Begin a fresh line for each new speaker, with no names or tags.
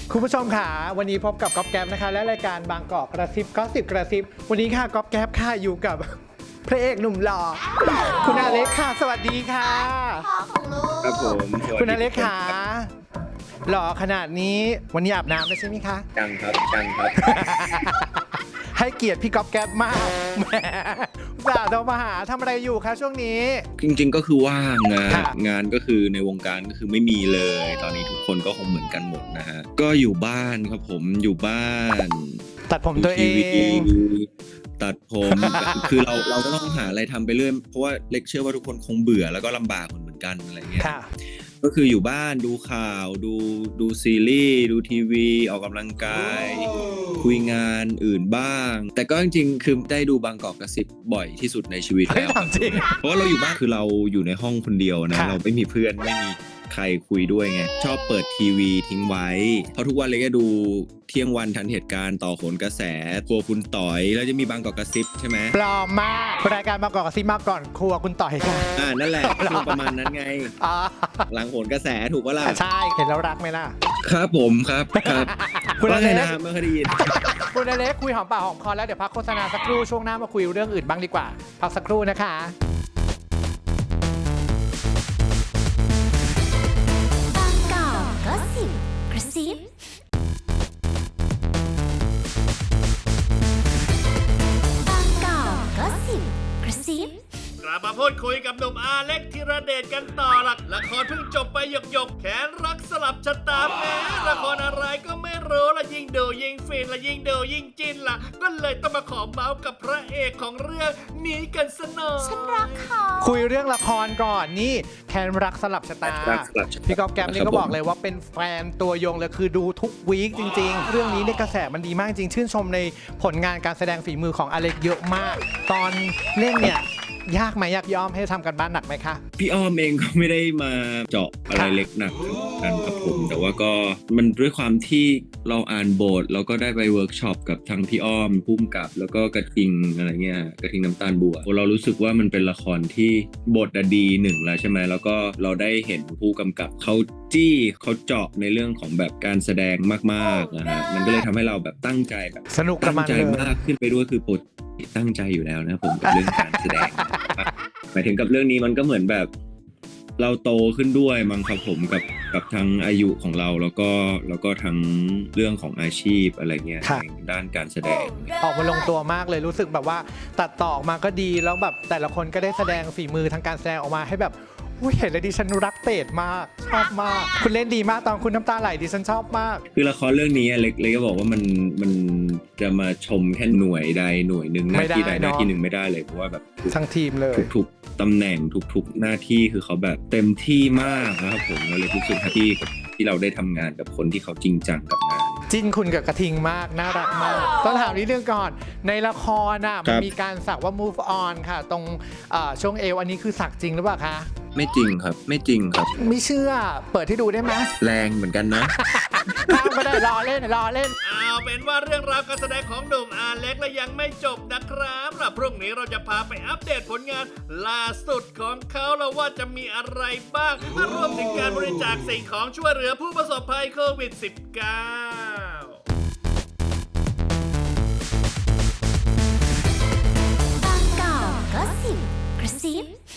คุณผู้ชมค่ะวันนี้พบกับก๊อฟแก๊ปนะคะและรายการบางกอกกระซิบก็สิบกระซิบวันนี้ค่ะก๊อฟแก๊ปค่ะอยู่กับ พระเอกหนุ่มหล่อคุณอเล็กค่ะสวัสดีค่ะ
พ่อของลูก
ครับผม
คุณอเล็กค่ะหล่อขนาดนี้วันนี้อาบน้ำแล้วใช่ไหมคะ
จังครับ
ให้เกียรติพี่ก๊อฟแก๊ปมากแหมสาวโทรมาหาทำอะไรอยู่คะช่วงนี้
จริงๆก็คือว่างนะ
ค่ะ
งานก็คือในวงการก็คือไม่มีเลย ตอนนี้ทุกคนก็คงเหมือนกันหมดนะฮะก็อยู่บ้านครับผมอยู่บ้าน
ตัดผมตัวเอ
ดูที
ง
วีตัดผม คือเราก็ต้องหาอะไรทำไปเรื่อยเพราะว่าเล็กเชื่อว่าทุกคนคงเบื่อแล้วก็ลำบากเหมือนกันอะไรเงี้ย
ค่ะ
ก็คืออยู่บ้านดูข่าวดูซีรีส์ดูทีวีออกกำลังกายคุยงานอื่นบ้าง แต่ก็จริงๆคือได้ดูบางกอกกระซิบบ่อยที่สุดในชีวิต
เฮ้ย
แล้ว
ถามจริง
เพราะว่าเราอยู่บ้านคือเราอยู่ในห้องคนเดียวนะ
ค่ะ
เราไม่มีเพื่อนไม่มีใครคุยด้วยไงชอบเปิดทีวีทิ้งไว้เพราะทุกวันเลยก็ดูเที่ยงวันทันเหตุการณ์ต่อโหนกระแสครัวคุณต่อยแล้วจะมีบางกอกกระซิบใช่ไหม
ปลอมมากรายการบางกอกกระซิบมาก่อนครัวคุณต่อยค่ะ
นั่นแหละช่วงประมาณนั้นไง
อ๋อ
หลังโหนกระแสถูกปะล่ะ
ใช่เห็นแล้วรักไหมล่ะ
ครับผมครับ
คุณอ
ว่า
เล็
ไง
ก
นะไม่เคยได้ยิน
คุณอเล็กคุยหอมปากหอมคอแล้วเดี๋ยวพักโฆษณาสักครู่ช่วงหน้ามาคุยเรื่องอื่นบ้างดีกว่าพักสักครู่นะคะ
บางกอกก็สิบกระซิบางกอกก็สิบกระซิบ
กลับมาพูดคุยกับหนุ่มอาเล็กธีรเดชกันต่อละละครเพิ่งจบไปหยกแขนรักสลับชะตาแม้ละครอะไรก็ไม่รู้ละยิ่งดูยิ่งฟินละยิ่งดูยิ่งจินละก็เลยต้องมาขอเมาส์กับพระเอกของเรื่องนี้กันซะหน่อย
ฉันรักเขา
คุยเรื่องละครก่อนนี่แคนรักสลับชะตา
รักสลับชะตา
พี่ก๊อฟแกมนี่ก็บอกเลยว่าเป็นแฟนตัวยงเลยคือดูทุกวีคจริง ๆ เรื่องนี้ในยกระแสมันดีมากจริงชื่นชมในผลงานการแสดงฝีมือของอเล็กเยอะมาก ตอนเล่นเนี่ยยากไหมยากย่อมให้ทำกันบ้านหนักไหมคะ
พี่อ้อมเองก็ไม่ได้มาเจาะอะไรเล็กหนักกันครับผมแต่ว่าก็มันด้วยความที่เราอ่านบทแล้วก็ได้ไปเวิร์กช็อปกับทางพี่อ้อมพุ่มกับแล้วก็กระทิงอะไรเงี้ยกระทิงน้ำตาลบัวเรารู้สึกว่ามันเป็นละครที่บทดีหนึ่งแล้วใช่ไหมแล้วก็เราได้เห็นผู้กำกับเขาจี้เขาเจาะในเรื่องของแบบการแสดงมากๆนะฮะมันก็เลยทำให้เราแบบตั้งใจแบบ
สนุกกับ
ตั้ง
มัน
ใจ
เลย
มากขึ้นไปด้วยคือปกติตั้งใจอยู่แล้วนะผมกับเรื่องการแสดง หมายถึงกับเรื่องนี้มันก็เหมือนแบบเราโตขึ้นด้วยมั้งครับผมกับทั้งอายุของเราแล้วก็ทั้งเรื่องของอาชีพอะไรเงี้ย
ค่ะ
ในด้านการแสดง
ออกมาลงตัวมากเลยรู้สึกแบบว่าตัดต่อออกมาก็ดีแล้วแบบแต่ละคนก็ได้แสดงฝีมือทางการแสดงออกมาให้แบบอุ๊ยเห็นแล้วดิฉันรักเตดมากชอบมาก คุณเล่นดีมากตอนคุณน้ำตาไหลดิฉันชอบมาก
คือละครเรื่องนี้เล็กก็บอกว่ามันจะมาชมแค่หน่วยใดหน่วยหนึ่งหน้าที่ใดหน้าที่หนึ่งไม่ได้เลยเพราะว่าแบบ
ทั้งทีมเลย
ทุกๆตำแหน่งทุกๆหน้าที่คือเขาแบบเต็มที่มากนะครับผมเราเลยรู้สึกแฮปปี้กับที่เราได้ทำงานกับคนที่เขาจริงจังกับงาน
จิ้นคุณกับกระทิงมากน่ารักมากต้องถามนิดนึงก่อนในละครน่ะ
ครั
มัน
บ
มีการสักว่า move on ค่ะ ตรงช่วงเอวอันนี้คือสักจริงหรือเปล่าคะ
ไม่จริงครับไม่จริงครับ
ไม่เชื่อเปิดให้ดูได้ไหม
แรงเหมือนกันนะ
ข้ามก็ได้รอเล่น
เอาเป็นว่าเรื่องราวการแสดงของหนุ่มอาเล็กและยังไม่จบนะครับแล้วพรุ่งนี้เราจะพาไปอัปเดตผลงานล่าสุดของเขาแล้วว่าจะมีอะไรบ้างรวมถึงการบริจาคสิ่งของช่วยเหลือผู้ประสบภัยโควิด -19
บางกอกก็สิบกระซิบ